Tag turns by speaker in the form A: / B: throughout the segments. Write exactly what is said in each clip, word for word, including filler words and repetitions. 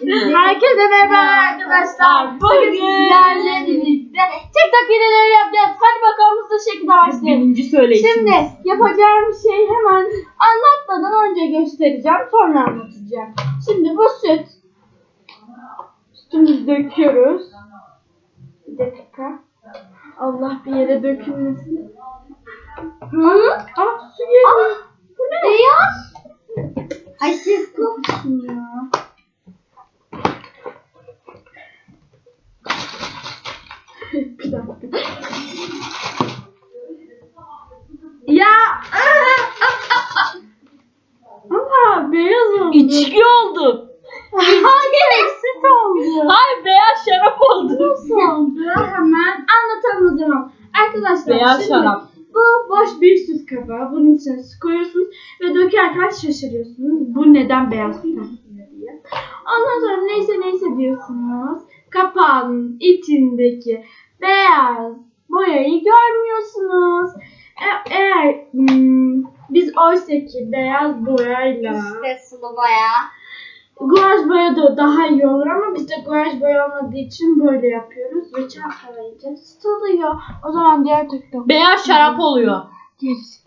A: Herkese merhaba arkadaşlar. Bugün sizlerle birlikte TikTok videoları yapacağız. Hadi bakalım hızlı şekilde başlayalım.
B: Birinci söyleyişimiz.
A: Şimdi yapacağım şey hemen anlatmadan önce göstereceğim. Sonra anlatacağım. Şimdi bu süt. Sütümüzü döküyoruz. Bir dakika. Allah bir yere dökülmesin. Hı? Ah su geliyor. Bu ne?
C: Beyaz. Ay siz koksun ya.
A: Bir dakika. Ya. Ama beyaz oldu.
B: İçki oldu.
A: Hayır, süt oldu.
B: Hayır, beyaz şarap oldu.
A: Nasıl oldu? Hemen anlatalım o zaman. Arkadaşlar
B: Beyaz
A: şimdi
B: şarap.
A: bu boş bir süt kabağı. Bunun içine su koyuyorsunuz ve dökerken şaşırıyorsunuz. Bu neden beyaz süt diye. Ondan sonra neyse neyse diyorsunuz. Kapağın içindeki beyaz boyayı görmüyorsunuz. E- eğer hmm, biz oysa ki beyaz boyayla
C: İşte sulu boya.
A: guaj boya da daha iyi olur ama bizde guaj boya olmadığı için böyle yapıyoruz ve çalkalayınca süt oluyor. O zaman diğer TikTok
B: Beyaz şarap oluyor.
A: gerisi.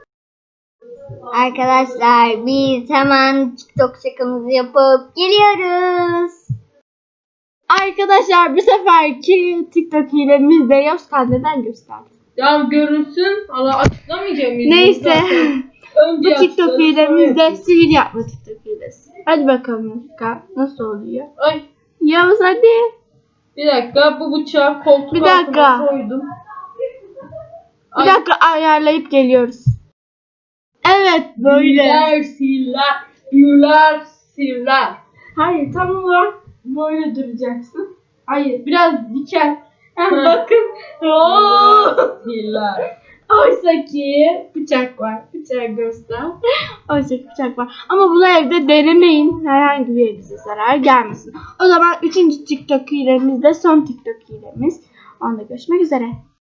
C: Arkadaşlar biz hemen TikTok şakamızı yapıp geliyoruz.
A: Arkadaşlar bu seferki TikTok hilemiz de Yozgat neden gösterdi.
B: Ya görünsün. Allah açıklamayacağım.
A: Neyse.
B: Önce
A: Bu TikTok
B: açıklarım,
A: hilemiz
B: sonra
A: de sihir yapma TikTok hilesi. Hadi bakalım Yozgat nasıl oluyor?
B: Ay,
A: Yavuz hadi.
B: bir dakika, bu bıçağı koltuk
A: Bir dakika.
B: altına koydum.
A: Bir
B: Ay,
A: dakika ayarlayıp geliyoruz. Evet böyle.
B: Siller, siller, siller, siller.
A: Hayır tam olarak böyle duracaksın. Hayır biraz diken. Ha,
B: Hı.
A: bakın. Oo.
B: Siller.
A: Oysa ki bıçak var. Bıçak göster. Oysa ki bıçak var. Ama bunu evde denemeyin. Herhangi bir elinize zarar gelmesin. O zaman üçüncü TikTok hilemiz de son TikTok hilemiz. Onda görüşmek üzere.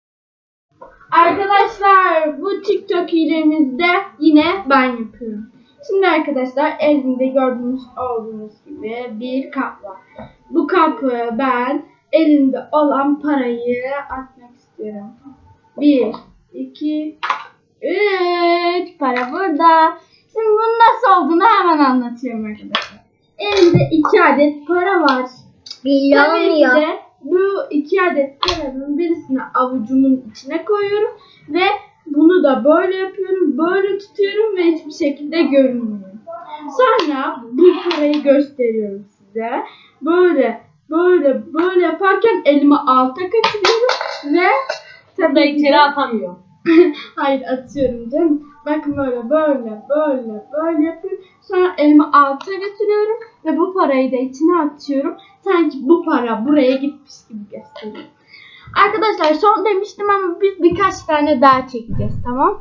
A: Arkadaşlar bu TikTok hilemizde yine ben yapıyorum. Şimdi arkadaşlar elimde gördüğünüz olduğunuz gibi bir kap var. Bu kapı ben elimde olan parayı atmak istiyorum. Bir, iki, üç. Para burada. Şimdi bunun nasıl olduğunu hemen anlatıyorum arkadaşlar. Elimde iki adet para var.
C: Belli
A: Tabii ki
C: olmuyor.
A: de bu iki adet paranın birisini avucumun içine koyuyorum ve bunu da böyle yapıyorum, böyle tutuyorum ve hiçbir şekilde görünmüyor. Sonra bu parayı gösteriyorum size. Böyle, böyle, böyle yaparken elimi alta kaçırıyorum ve
B: Burada
A: tabii ki
B: içeri
A: de-
B: atamıyor.
A: Hayır atıyorum canım. Bakın böyle böyle böyle böyle yapıyorum. Sonra elimi alta götürüyorum ve bu parayı da içine atıyorum. Sanki bu para buraya gitmiş gibi gösteriyorum. Arkadaşlar son demiştim ama biz birkaç tane daha çekeceğiz, tamam?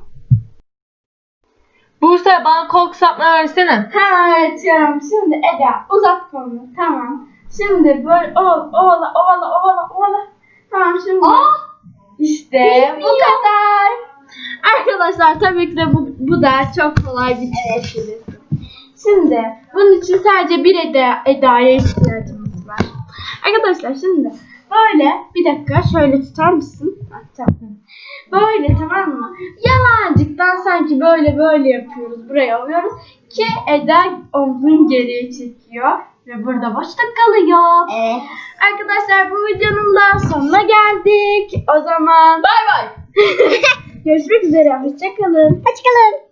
B: Buse, bana kol kısaltma versene.
A: Evet canım. Şimdi Eda uzat kolunu. Tamam. Şimdi böyle ovala ovala ovala ovala ovala. Tamam şimdi. İşte bu kadar. Arkadaşlar tabii ki de bu, bu da çok kolay bir çizgi. Şimdi bunun için sadece bir Eda, Eda'ya ihtiyacımız var. Arkadaşlar şimdi böyle bir dakika şöyle tutar mısın? Bak, tamam. Böyle tamam mı? Yalancıktan sanki böyle böyle yapıyoruz. Buraya alıyoruz ki Eda omzunu geriye çekiyor ve burada boşluk kalıyor.
C: Evet.
A: Arkadaşlar bu videonun da sonuna geldik. O zaman
B: Bay bay.
A: görüşmek üzere. Hoşçakalın.
C: Hoşçakalın.